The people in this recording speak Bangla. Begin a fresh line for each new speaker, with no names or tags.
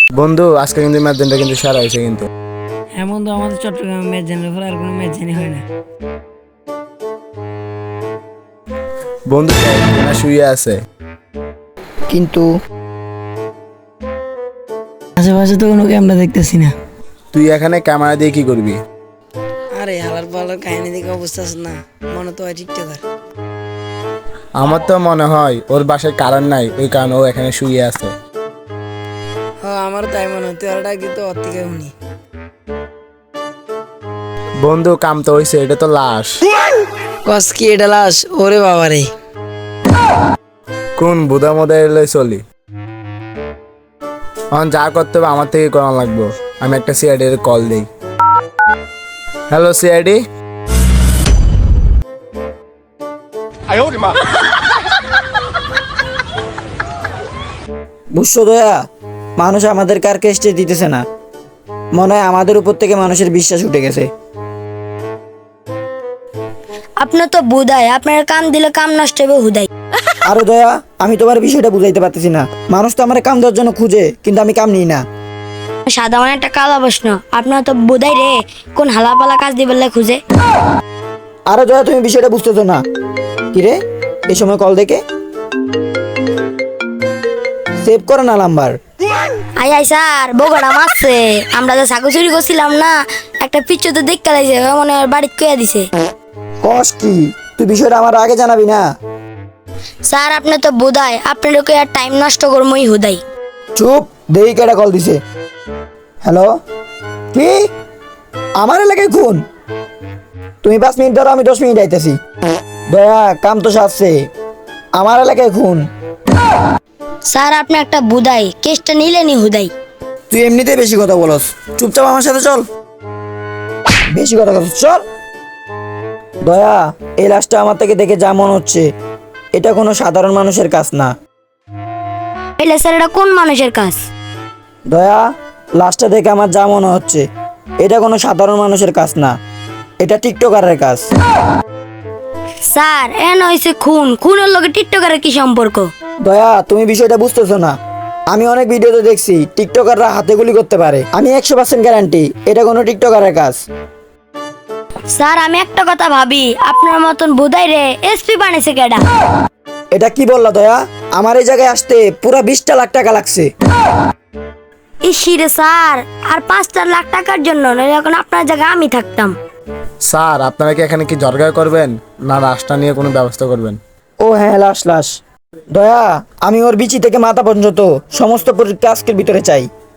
বন্ধু আজকে কিন্তু ম্যাচটা কিন্তু সারা হয়েছে কিন্তু।
হ্যাঁ বন্ধু, আমাদের চট্টগ্রামে ম্যাচ জানার পর আর কোনো ম্যাচ জানি হয় না।
বন্ধু শুয়ে আছে,
কিন্তু
আশেপাশে তো কোনো ক্যামেরা দেখতেছি না।
তুই এখানে ক্যামেরা দিয়ে কি করবি?
আরে হালার পালার কাহিনী দেখে অবস্থা আছে না, মনে তো হয় টিকটকার।
আমার তো মনে হয় ওর বাসায় কারেন্ট নাই, ওই কারণে ও এখানে শুয়ে আছে।
হ্যাঁ আমারও তাই মনে হয়, তুই আর ডাক দিতে ওর থেকে শুনি।
বন্ধু কাম তো হয়েছে, এটা তো লাশ।
কস কি এটা লাশ? ওরে বাবা রে।
কোন বুধা মধ্যে এলে চলি, এখন যা করতে হবে আমার থেকে করা লাগবো। আমি একটা সিআইডি এর কল দিই। Hello CID.
বুঝছো দয়া, মানুষ আমাদের কার কেসটে দিতেছে না, মনে হয় আমাদের উপর থেকে মানুষের বিশ্বাস উঠে গেছে।
আপনার তো বুধাই, আপনার কাম দিলে কাম নষ্ট হবে হুদাই।
আরে দয়া, আমি তোমার বিষয়টা বুঝাইতে পারতেছি না। মানুষ তো আমার কাম দেওয়ার জন্য খুঁজে, কিন্তু আমি কাম নিই না।
সাধারণ একটা কালা প্রশ্ন, আপনার তো বুধাই রে কোন হালাপালা কাজ দিবে খুঁজে।
আরে দয়া, তুমি বিষয়টা বুঝতেছো না। কিরে, এই সময় কল দেখে সেভ করে না নাম্বার।
আই আই স্যার, বগড়া মারছে। আমরা যে ছাগল চুরি করছিলাম না, একটা পিচ্ছু তো দেখতে লাগছে, মনে হয় বাড়িতে কইয়া দিছে।
কস কি, তুই বিষয়টা আমার আগে জানাবি না?
স্যার আপনি তো বুধাই, আপনার লোকে আর টাইম নষ্ট করমই হুদাই।
চুপ, দেরি কেটা কল দিছে। হ্যালো, কি আমার এলাকায় খুন? তুমি 5 মিনিট ধরো, আমি 10 মিনিট আইতেছি। দয়া, কাম তো সারছে, আমার এলাকায় খুন।
স্যার আপনি একটা বুধাই, কেসটা নিলেনি হুদাই।
তুই এমনিতেই বেশি কথা বলস, চুপচাপ আমার সাথে চল। বেশি কথা বলস, চল। দয়া, এই লাশটা আমার থেকে দেখে যা মনে হচ্ছে, এটা কোনো সাধারণ মানুষের কাজ না।
এলে স্যার এটা কোন মানুষের কাজ?
দয়া, লাশটা দেখে আমার যা মনে হচ্ছে, এটা কোনো সাধারণ মানুষের কাজ না, এটা টিকটকারের কাজ।
স্যার এন হয়েছে খুন, খুনের লগে টিকটকারের কি সম্পর্ক?
দয়া, তুমি বিষয়টা বুঝতেছো না। আমি অনেক ভিডিওতে দেখছি টিকটকাররা হাতে গুলি করতে পারে। আমি 100% গ্যারান্টি এটা কোনো টিকটকারের কাজ।
স্যার আমি একটা কথা ভাবি, আপনার মতন বুধাই রে এসপি বানিয়েছে কেডা?
এটা কি বললা দয়া? আমার এই জায়গায় আসতে পুরা 20টা লাখ টাকা লাগছে।
ইসিরে স্যার, আর 5 লাখ টাকার জন্য নইলে এখন আপনার জায়গায় আমি থাকতাম।
স্যার আপনারা কি এখানে কি জরগা করবেন না রাস্তা নিয়ে কোনো ব্যবস্থা করবেন?
ও হ্যাঁ, লাশ লাশ। দয়া, আমি ওর বিচি থেকে মাথা পর্যন্ত সমস্ত পরীক্ষা আজকের ভিতরে চাই।